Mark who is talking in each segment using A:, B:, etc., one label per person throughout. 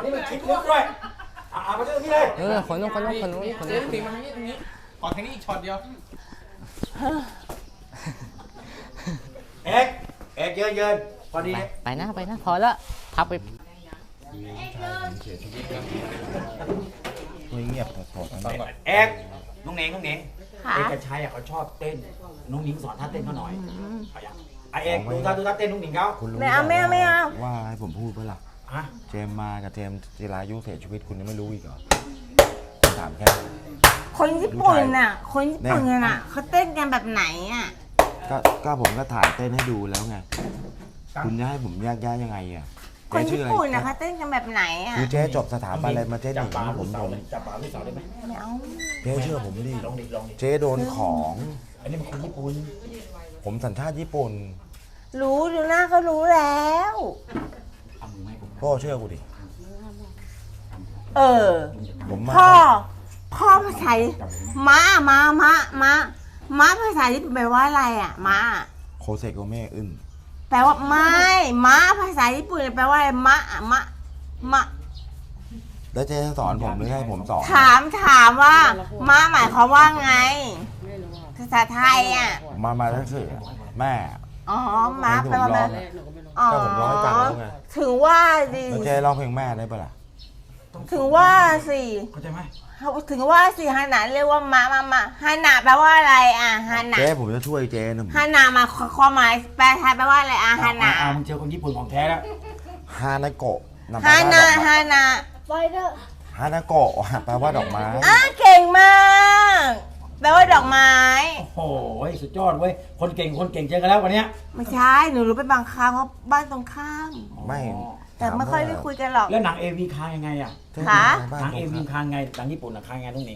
A: นี้มันคิดลึกด้วยมาเรื่องนี้เลย
B: คนนู้น
C: เจ๊ตีมาทางนี้ขอทางนี้อีกช็อตเดียว
A: เอ็กเยินพอดี
B: ไปนะพอแล้วพับไป
D: เงียบถอด
A: เอ็กน้องเน่งเอกชัยเขาชอบเต้นน้องหนิงสอนท่าเต้นเขาหน่อยเอกดูท่าเต้นน้องหนิงเขา
D: ไม่เอาว่าให้ผมพูดเพื่อหลักเจมมากับเจมจิรายุเสียชีวิตคุณยังไม่รู้อีกเหรอถามแค่
E: คนญี่ปุ่นน่ะเขาเต้นกันแบบไหนอ่ะ
D: ก็ผมก็ถ่ายเต้นให้ดูแล้วไงคุณจะให้ผมแยกแยะยังไงอ่ะ
E: คนญี่ปุ่นน่ะเขาเต้นกันแบบไหนอ่ะ
D: คือเจ๊จบสถาบันอะไรมาเจ๊หนีผม
A: จับบ่าวลูกสาวได้ไหม
E: ไม่เอา
D: เจ๊เชื่อผมดิ
A: ลอง
D: เจ๊โดนของ
A: อันนี้มันคนญี่ปุ่น
D: ผมสัญชาติญี่ปุ่น
E: รู้ดูหน้าก็รู้แล้ว
D: พ่อเชื่อกูดิ
E: ผมพ่อภาษาม้าภาษาญี่ปุ่นแปลว่าอะไรอ่ะม้า
D: โคเซโกเมอึน
E: แปลว่าไม่ม้าภาษาญี่ปุ่นแปลว่าอะไรม้า
D: แล้วเจ๊สอนผมหรือให้ผมสอน
E: ถามว่าม้าหมายความว่าไงภาษาไทยอ่ะ
D: มาทั้งสื่อแม่
E: ม้าแปลว่าแม่
D: ก็ผมร้องให้ฟังแล้วไง
E: ถึงว่าดิ
D: เจ๊ร้องเพลงแม่ได้ปะล่ะ
E: ถึงว่าสิ
A: เข้าใจไหม
E: ถึงว่าสิฮานาเรียกว่ามาฮานาแปลว่าอะไรอ่ะฮานา
D: เจ๊ผมจะช่วยเจ๊นะ
E: ฮานามาความหมายแปลไทยแปลว่าอะไรอ่ะฮานา
A: มึงเจอคนญี่ปุ่นของแท้แล้ว
D: ฮานาโกะ
E: ฮานา
D: ไฟเดอร์ฮานาโกะแปลว่าดอกไม้
E: เก่งมากแปลว่าดอกไม้
A: โอ้โหสุดยอดเว้ยคนเก่งเจอกันแล้ววันนี้
E: ไม่ใช่หนูรู้ไปบางครั้งเพราะบ้านตรงข้าม
D: ไม่
E: แต่ไม่ค่อยได้คุยกันหรอก
A: แล้วหนังAVค้างยังไงอ่ะ
E: คะ
A: หนังAVค้างไงหนังญี่ปุ่นค้างไงน้องหนิง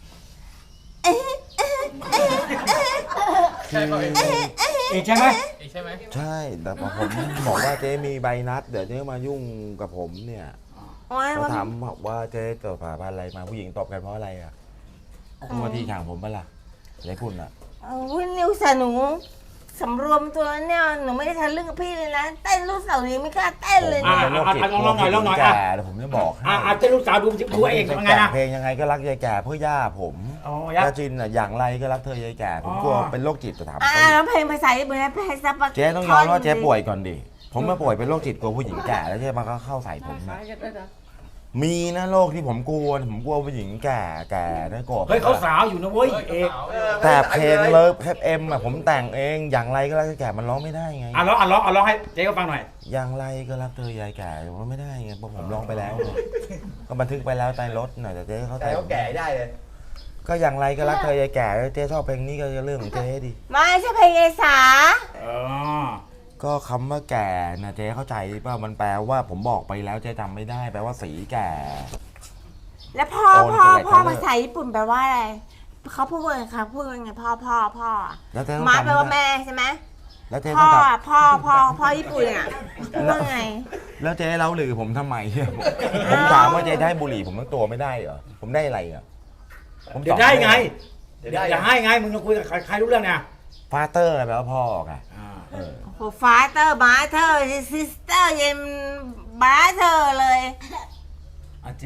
C: ใช่ไหม
A: ใช่ไหม
D: ใช่แต่ผมบอกว่าเจ๊มีใบนัดเดี๋ยวเจ๊มายุ่งกับผมเนี่ยเขาถามว่าเจ๊ตอบอะไรมาผู้หญิงตอบกันเพราะอะไรอ่ะมาทีข่างผมปะล่ะอะไรคุณอ่ะ
E: วิ่งนิวสนุสำรวมตัวเนี่ยหนูไม่ได้ทันเรื่องกับพี่เลยนะเต้นลูกสาวนี้ไม่กล้าเต้นเลยนะ
A: ลองหน่อย
D: แก่เดี๋ยวผมจะบอก
A: เต้นลูกสาวดูเองยังไงนะ
D: เพลงยังไงก็รักยายแก่เพื่อย่าผมย่าจินอ่ะอย่างไรก็รักเธอยายแก่ผมกลัวเป็นโรคจิตจะถาม
E: แล้วเพลงภาษาญี่ปุ่นเพลงซับ
D: เจ๊ต้องยอมว่าเจ๊ป่วยก่อนดิผมมาป่วยเป็นโรคจิตกลัวผู้หญิงแก่แล้วเจ๊มาก็เข้าใส่ผมมีนะโรคที่ผมกลัวผู้หญิงแก่นะกบ
A: เฮ้ยเขาสาวอยู่นะเว้ยเอก
D: แต่เพลงเลิฟเอ็มอ่ะผมแต่งเองอย่างไรก็รักแก่มันร้องไม่ได้ไง
A: ร้องให้เจ๊ก็ฟังหน่อย
D: อย่างไรก็รักเธอยายแก่ร้องไม่ได้ไงเพราะผมร้องไปแล้วก็บันทึกไปแล้วใต้รถหน่อยแต่เจ๊เขาแต่
A: แก่ได้เลย
D: ก็อย่างไรก็รักเธอยายแก่เจ๊ชอบเพลงนี้ก็เรื่องของเจ๊ดิ
E: ไม่ใช่เพลงยายสา
D: ก็คำว่าแก่นะเจ๊เข้าใจป่ะมันแปลว่าผมบอกไปแล้วเจ๊จำไม่ได้แปลว่าสีแก่
E: แล้วพ่อภาษาญี่ปุ่นแปลว่าอะไรเขาพูดว่าไงคะพูดว่าไงพ่อม้าแปลว่าแม่ใช่ไหม
D: แล้วเจ๊
E: พ่อญี่ปุ่นอ่ะพูดว่าไง
D: แล้วเจ๊เล่าหรือผมทำไมผมถามว่าเจ๊ได้บุหรี่ผมทั้งตัวไม่ได้เหรอผมได้อะไรอ่ะ
A: ผมเดี๋ยวได้ไงจะให้ไงมึงจะคุยกับใครรู้เรื่องเนี่ย
D: ฟาเตอร์อะไรแปลว่าพ่อไง
E: โอ้ฟาเตอร์มาเธอซิสเตอร์ยังบาเธอเลย
A: เจ๊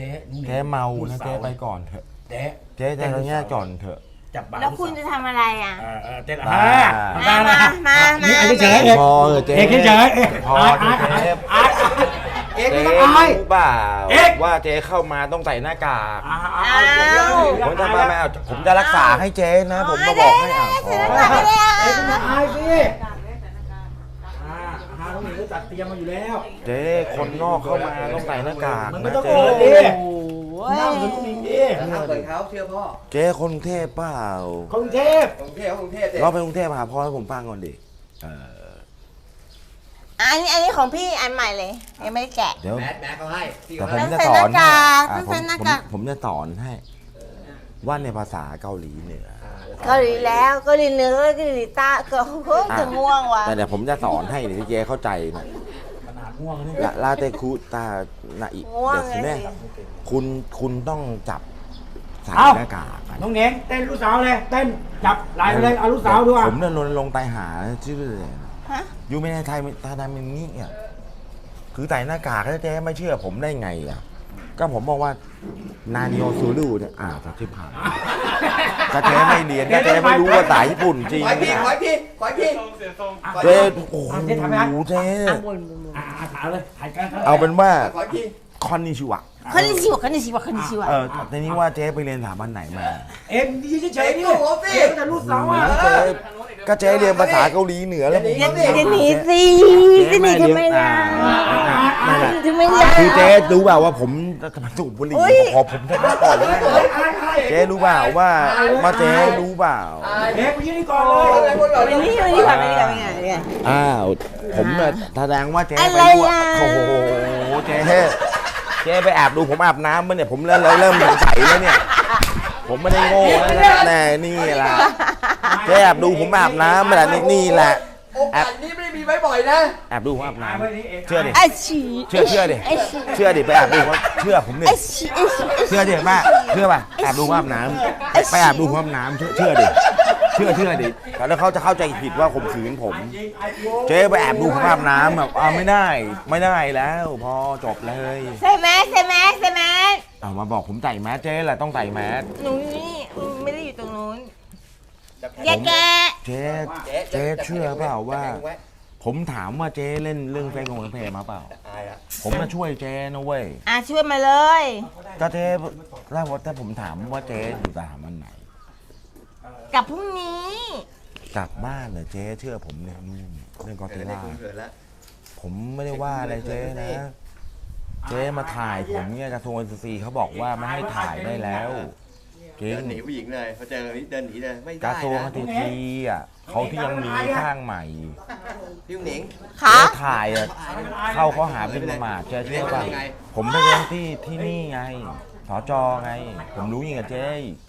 D: เมานะเจ๊ไปก่อนเถอะเจ๊จะแง่ก่อนเถอะ
E: แล้วคุณจะทำอะไรอ่ะ
A: เจ๊
E: มา
A: เฉย
D: พอเจ๊
A: เฉย
D: พอเจ๊
A: ไม่ต้องอาย
D: รู้เปล่าว่าเจ๊เข้ามาต้องใส่หน้ากากผมจะมาผมจะรักษาให้เจ๊นะผมมาบอกให้
A: อายสิต้องมีจัดเตรียมมาอยู่แล้ว
D: เจ๊คนนอกเข้ามาต้องใส่หน้ากาก
A: นะเจ๊นั่งเป็นผู้หญิงดิ
C: เปิดเขาเชื่อพ่อ
D: เจ๊คนกรุงเทพเปล่า
A: กรุงเทพ
D: เราไปกรุงเทพหาพ่อให้ผมฟังก่อนดิ
E: อันนี้ของพี่อันใหม่เลยยังไม่ได้แกะ
D: เดี๋ยว
C: แมสเขาให้
D: แต่ผมจะสอนผมจะสอนให้ว่าในภาษาเกาหลีเหนือ
E: เกาหลีแล้วเกาหลีเหนือเกาหลีใต้ก็จะง่วงว่ะ
D: แต่เดี๋ยวผมจะสอนให้ที่เจ๊เข้าใจนะ
A: ขนาดง่วงนี่
D: ลาเตคุตานาอิเดี๋ยวแม่คุณต้องจับใส่หน้ากาก
A: น้องเน่งเต้นลูกสาวเลยเต้นจับไหลไปเลยเอาลูกสาวด้วย
D: ผมเนี่ยลงไตหาชื่อเลยอยู่ไม่ในไทยทาดามินนี่อ่ะคือใส่หน้ากากแล้วเจ๊ไม่เชื่อผมได้ไงอ่ะก็ผมบอกว่านานิโอซูรุเนี่ยจากที่ผ่านก็เจ๊ไม่เรียนก็เจ๊ไม่รู้ว่าสายญี่ปุ่นจริง
C: ขอพี่
D: นะ
C: ขอพี่ขอพี่
D: เจ๊โอ้โหเจ๊
A: ถามเลยถ่ายกัน
D: เอาเป็นว่า
C: ขอพี่
D: คอนนิชิวะ
E: คันนี้ชิวะคันนี้ชิวะคันนี้ชิวะ
D: ทีนี้ว่าเจ๊ไปเรียนสถาบันไหนมา
A: เอ็มยืนเฉยๆนี่เอ็มจะรูดเสาอ่ะ
D: เจ๊ก็เจ๊เรียนภาษาเกาหลีเหนือแล้ว
E: เดี๋ยวหนีสิจะหนีทำไมล่ะ
D: นั่นแหละ
E: ทำไมล่ะ
D: คือเจ๊รู้เปล่าว่าผมจะมาสูบบุหรี่ขอผมทำมาก่อนเลยเจ๊รู้เปล่าว่าเจ๊รู้เปล่า
A: เอ็มยืนนี่ก่อนเลย
E: ไปนี่ไปนี่ก่อนไปนี่ก่อนไปนี่ก่อน
D: อ้าวผมเนี่ยแสดงว่าเจ๊
E: อะ
D: ไป
E: ไร
D: ดู
E: อ่ะ
D: โอ้โหเจ๊ไปแอบดูผมอาบน้ำมั้ยเนี่ยผมเริ่มสงสัยแล้วเนี่ยผมไม่ได้โง่นะแน่นี่แหละเจ๊แอบดูผมอาบน้ำมาแหละนี่แหละ
C: โอกาสนี้ไม่ได้มีบ่อยๆนะ
D: แอบดูผมอาบน้ำเชื่อดิ
E: ไอ้ชี
D: เชื่อดิไปแอบดูผมเชื่อผมดิ
E: ไอ้ชีไอ้ชี
D: เชื่อดิแม่เชื่อป่ะแอบดูผมอาบน้ำไปแอบดูผมอาบน้ำเชื่อดิแล้วเขาจะเข้าใจผิดว่าข่มขืนผม เจ๊ไปแอบดูผมอาบน้ำแบบไม่ได้แล้วพอจบเลย
E: ใส่แมสใส่แมสใส่แมส
D: เอามาบอกผมใส่แมสเจ๊แหละต้องใส่แมส
E: หนูนี่ไม่ได้อยู่ตรงนู้นอย่าแก
D: เจ๊เชื่อเปล่าว่า ผมถามว่าเจ๊เล่นเรื่องเฟซของเพจมาเปล่า ผมมาช่วยเจ๊นะเว้ย
E: ช่วยมาเลย
D: ก็เจ๊แล้วแต่ผมถามว่าเจ๊อยู่สถาบันไหน
E: กับพรุ่งนี้
D: กลับบ้านเหรอเจ๊เชื่อผมเนี่ยนู่นเรื่องกอเตล่าผมไม่ได้ว่าอะไรเจ๊นะ เจ๊มาถ่ายผมเนี่ยกระทรวงเกษตรเขาบอกว่าไม่ให้ถ่ายได้แล้วเก่
C: เดิ
D: ง
C: นหนีผู้หญิงเลยพอเจอแบบนี้เดินหนีเลยไม่
D: ก
C: ได้
D: ระทรวง
C: นะ
D: เกษตรเขาที่ยังมีข้างใหม่
C: พี่หนิง
E: ขา
D: เจ๊ถ่ายเข้าข้อหาหมิ่นประมาทเจ๊เชื่อป่ะผมไปเรียนที่นี่ไงสจไง ผมรู้ยังกับเจ๊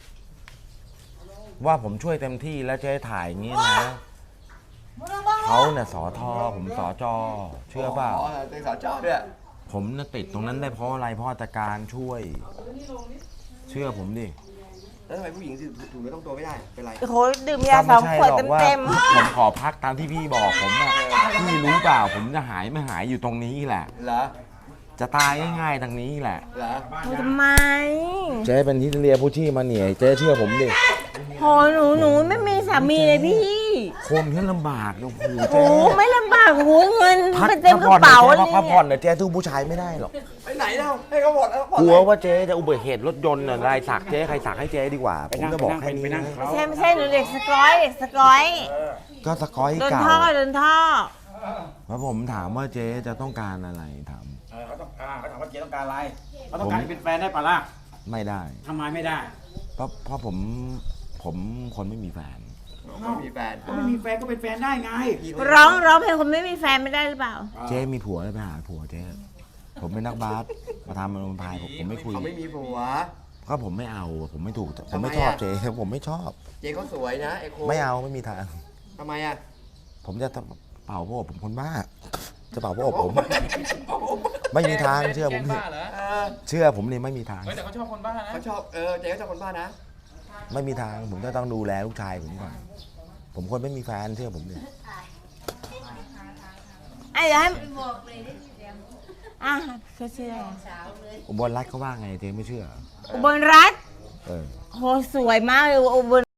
D: ว่าผมช่วยเต็มที่แล้วเจ๊ถ่ายอย่างนี้นะเขาเนี่ยสทผมสจเชื่อเปล่า
C: เป็นสาวจอด้วย
D: ผมน่ะติดตรงนั้นได้เพราะอะไรเพราะอาตการช่วย เชื่อผมดิ
C: แล้วทำไมผู้หญิงถูกเนื้อต้องตัวไม่ได้เป็นไร
E: โอ้โหดื่มยาสองขวดเต็ม
D: ผมขอพักตามที่พี่บอกผมอะพี่รู้เปล่าผมจะหายไม่หายอยู่ตรงนี้แหละ
C: เหรอ
D: จะตายง่ายๆทางนี้แหละ
C: เหรอ
E: ๆทำไม
D: เจ๊เป็นที่เรียผู้ชี่มาเหนี่อยเจ๊เชื่อผมดิ
E: โหหนูไม่มีสามีเลยพี่
D: คนที่ลำบากโอ้โห
E: โอ้
D: เจ๊
E: ไม่ลำบากโหเงิน
D: พัก
E: เป็นเต็มกระ
D: ผ่อน
E: เป๋า
D: เจ๊
E: เลย
D: พักผ่อนเนี่ยเจ๊สู้ผู้ชายไม่ได้หรอก
C: ไปไหนเล่าให้เขาหมดแล้ว
D: กลัวว่าเจ๊จะอุบัติเหตุรถยนต์อะไรสักเจ๊ใครสักให้เจ๊ดีกว่า ผมจะบอกแค่นี้นะ
E: ไม่ใช่หนูเด็กสกอยเด็กสกอย
D: ก็สกอย
E: โดน
D: เก่า
E: ท่อโดนท่อ
D: แล้วผมถามว่าเจ๊จะต้องการอะไรถาม
A: เขาถามว่าเจ๊ต้องการอะไรเขาต้องการเป็นแฟนได้ปะล่ะ
D: ไม่ได้
A: ทำไมไม่ได้
D: เพราะผมคนไม่มีแฟน
C: ไม่มีแฟน
A: ก็ไม่มีแฟนก็เป็นแฟนได้ไง
E: ร้องเพลงคนไม่มีแฟนไม่ได้หรือเปล่า
D: เจ๊มีผัวแล้วไปหาผัวเจ๊ผมเป็นนักบาสมาทำมันพายผมไม่คุย
C: เขาไม่มีผัว
D: ก็ผมไม่เอาผมไม่ถูกผม
C: ทำไม
D: ไม่ชอบ
C: อะ
D: เจ๊ผมไม่ชอบ
C: เจ๊เขาสวยนะไอโค
D: ไม่เอาไม่มีทาง
C: ทำไมอ่ะ
D: ผมจะเป่าพวกผมคนบ้าจะเป่าพวกผม ไม่มีทางเชื่อผมดิ
C: เออ
D: เชื่อผมนี่ไม่มีทาง
C: แต่เขาชอบคนบ้านะเขาชอบเจ๊เขาชอบคนบ้านะ
D: ไม่มีทางผมจะต้องดูแลลูกชายผมก่อนผมคนไม่มีแฟนเชื่อผมดิ
E: ไอ้เดี๋ยวให้เขาชื่ออะไร
D: อุบลรัตน์เขาว่าไงเจ๊ไม่เชื่อ
E: อุบลรัตน์
D: เออ
E: โหสวยมากเลยอุบล